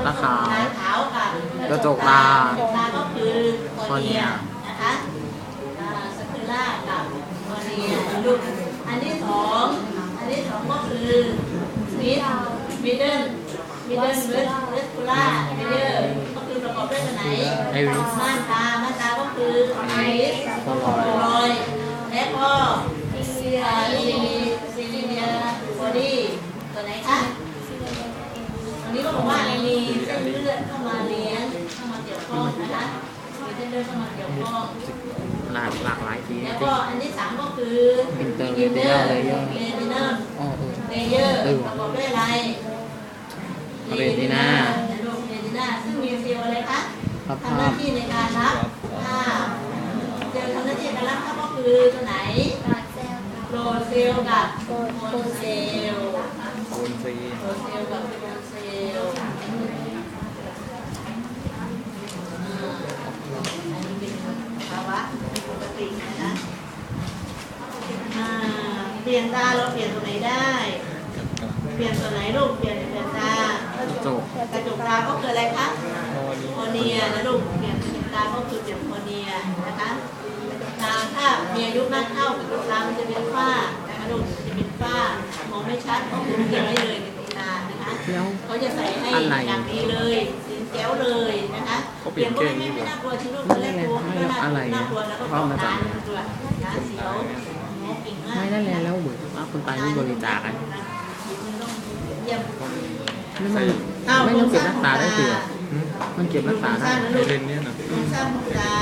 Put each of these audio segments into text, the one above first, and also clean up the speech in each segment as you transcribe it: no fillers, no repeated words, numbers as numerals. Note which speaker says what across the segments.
Speaker 1: ตาขาว
Speaker 2: ตาขาวกับ
Speaker 1: กระจกตา
Speaker 2: ก็คือคอเนีย
Speaker 1: cornea
Speaker 2: นะคะสเตล่ากับคอเนียลูกอันที่สองก็คือมิดเดิลเวสคูล่าเลเยอร์ก็คือประกอบด้วยตัวไหน
Speaker 1: iris
Speaker 2: ม่านตาก็คือไอริสโคลอยและก็ซีเนียบอดี้ตัวไหนคะอันนี้ก็บอกว่ามีเส้นเลือดเข้ามาเลี้ยงเข้ามาเกี่ยวข้องนะคะมีเส้นเลือดเข้ามาเกี่ยวข้อง
Speaker 1: หลากหลายสีจ
Speaker 2: แล้ว
Speaker 1: ริ
Speaker 2: ก็
Speaker 1: ง
Speaker 2: อันที่สามก็คือ
Speaker 1: Interretinal layer
Speaker 2: เรตินัล
Speaker 1: อ๋อ
Speaker 2: เลเยอร์ประกอบด้วยอะไร
Speaker 1: เรตินา
Speaker 2: เรตินาซึ่งมีเซลล์อะไรคะ
Speaker 1: รับ
Speaker 2: ทำห
Speaker 1: ภา
Speaker 2: น้า
Speaker 1: พ
Speaker 2: ที่ในการรับภาพเซลล์ทำหน้าที่ในการรับภาพก็คือตัวไหนโปรเซลล์กับโคนเซลล์
Speaker 1: โคนซี
Speaker 2: โปรเซลล์กับโคนเซลล์อันนี้เป็นภาวะปกตินะคะเปลี่ยนตาเราเปลี่ยนตัวไหนได้ เปลี่ยนตัวไหนลูกเปลี่ยนตาก
Speaker 1: ระจก
Speaker 2: กระจกตาก็คืออะไรคะคอเนียนะลูกเปลี่ยนตาก็คือเปลี่ยนคอเนียนะคะกระจกตาถ้ามีอายุมากเข้ากระจกตามันจะเป็นฝ้านะคะลูกจะเป็นฝ้ามองไม่ชัดก็คือเก็บไว้เลยในตานะคะ
Speaker 1: แล้ว
Speaker 2: เขาจะใส่ให้
Speaker 1: อะไร
Speaker 2: อย่างดีเลยสินแก้วเลยนะคะ
Speaker 1: เขาเปลี่ยนเก่ง
Speaker 2: ไม่
Speaker 1: ดีกว่า
Speaker 2: น่ากลัวที่ลูกแรกกลัวก็น่ากลัวแล้วก็ต้องตาตัวนะเสียวเก่งมาก
Speaker 1: ไม่ได้แล้วเหมือนว่าคนตายไม่บริจาคกัน
Speaker 2: เยี่ยม
Speaker 1: ไม่มันไม่ต้องเก็บรักษาได้เถื่อมันเก็บรักษาได้
Speaker 3: เลนเนี่ยนะ
Speaker 2: ลูกสร้างตา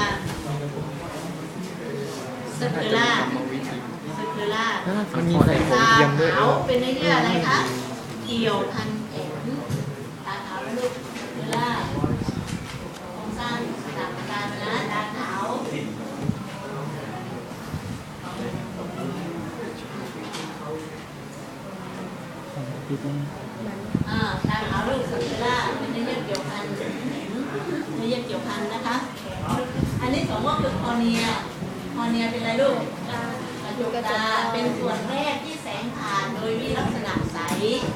Speaker 2: สเปล่าสเปล่า
Speaker 1: แล้วมัน
Speaker 3: มันมี
Speaker 1: พอ
Speaker 3: ใส่
Speaker 1: ได้
Speaker 3: ของเทียมด้วย
Speaker 2: ขาวเป็นเนื้อเยื่ออะไรคะเกี่ยวพันแขนตาขาวแล้วลูกสเปล่าโครงสร้างตาตานะตาขาว ตาขาวลูกสเปล่าเป็นเนื้อเยื่อเกี่ยวพันแขนเนื้อเยื่อเกี่ยวพันนะคะ อันที่สองก็คือคอเนียเป็นอะไรลูกกระจกตาเป็นส่วนแรกที่แสงผ่านโดยมีลักษณะใส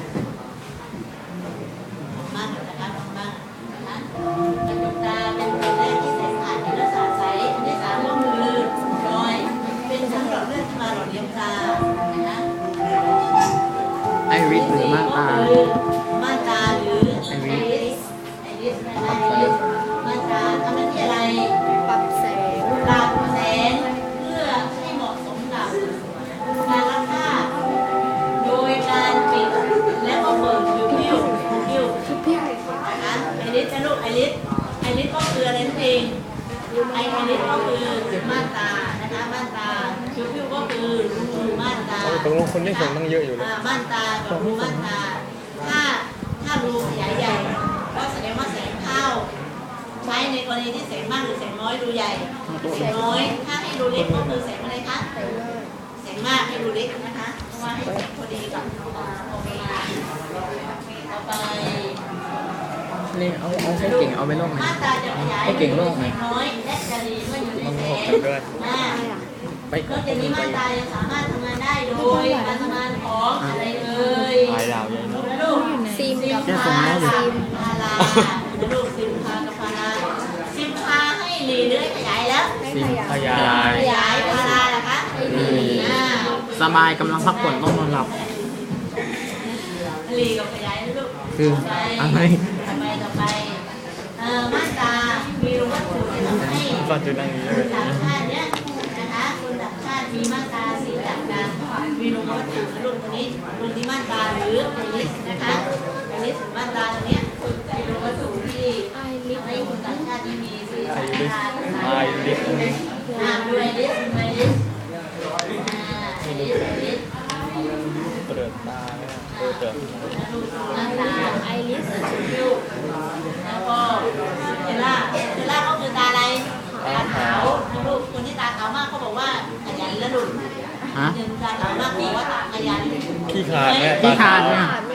Speaker 2: มากนะคะมากนะคะกระจกตาเป็นส่วนแรกที่แสงผ่านมีลักษณะใสอันที่สามก็คือรอยเป็นชั้นหลอดเลือดที่มาหล่อเลี้ยงตานะคะ
Speaker 1: ไอริสหรือม่านตา
Speaker 2: ม่านตาหรือไอริสม่านตาทำหน้าที่อะไร
Speaker 4: ปรับแสง
Speaker 2: ปรับแสงเพื่อให้เหมาะสมกับการรับภาพโดยการปิดและก็เปิดพิ้วนะคะไอริสนะลูกไอริสก็คืออะไรนั่นเองไอริสก็คือม่านตานะคะม่านตาพิ้วก็คือรูม่านตา
Speaker 3: ตกลงคนได้ส่งตั้งเยอะอยู่เลย
Speaker 2: ม่านตากับรูม่านตาถ้ารูขยายใหญ่ก็แสดงว่าแสงเข้าใช้ในกรณีที่แสงมากหรือแสงน้อยรูใหญ่แสงน้อยถ้าให้รูเล็กก็คือแสงอะไรคะแสงมากให้รูเล็กนะคะเพราะว่าให้แสงพอดีกับโอเคต่อไป
Speaker 1: นี่เอาใช้เก่งเอาไปลงไหน
Speaker 2: ม่านตาจะขยาย
Speaker 1: ให้เก่งโลกไหม
Speaker 2: แสงน้อยและจะดีเมื่ออยู่ในแสงมาก
Speaker 1: ไป
Speaker 2: นอกจากนี้ม่านตายังสามารถทำงานได้โดยการทำงานของอะไรเอ่ย
Speaker 3: ลายดาวใหญ่
Speaker 2: ลูก
Speaker 4: ซิมกับ
Speaker 1: แค่ส่งแล้วอยู่
Speaker 2: พาราลูกซิมพากับพาราซิมพาให้หลีเลื้อยขยายแล้ว
Speaker 3: ซิมพยา
Speaker 2: ขยายพาราล่ะคะให้หลี
Speaker 1: สบายกำลังพักผ่อนต้องนอนหลับ
Speaker 2: หลีกับขยายนะลูก
Speaker 1: คืออะไร
Speaker 2: ต่อไปม่านตามีรูวัตถุที่ทำให้
Speaker 3: ฟันจุดนั่งนี้เลย
Speaker 2: ต่างชาติเนี้ยนะคะคนต่างชาติมีม่านตาสีต่างกันมีรูวัตถุนะลูกตัวนี้รูที่ม่านตาหรือไอริสนะคะไอริสหรือม่านตาตัวเนี้ยเป็นรูวัตถุที่ทำให้คนต่างชาติที่มีสี
Speaker 3: ไอ
Speaker 2: ต่าง
Speaker 3: ริส
Speaker 2: กัน
Speaker 3: ไอริส
Speaker 2: ดูไอริสไอริสไอริส
Speaker 3: เปิดตาเนี่ยเปิด
Speaker 2: ม่านตาไอริสแล้วก็เจล่าก็คือตาอะไรตาขาวนะลูกคนที่ตาขาวมากเขาบอกว่าขยันและดุ
Speaker 1: ฮะ
Speaker 2: ตาขาวมากบอกว่าตาขยัน
Speaker 3: ขี้ขาดเนี่ย
Speaker 1: ที่ขาดเนี่ย
Speaker 4: ม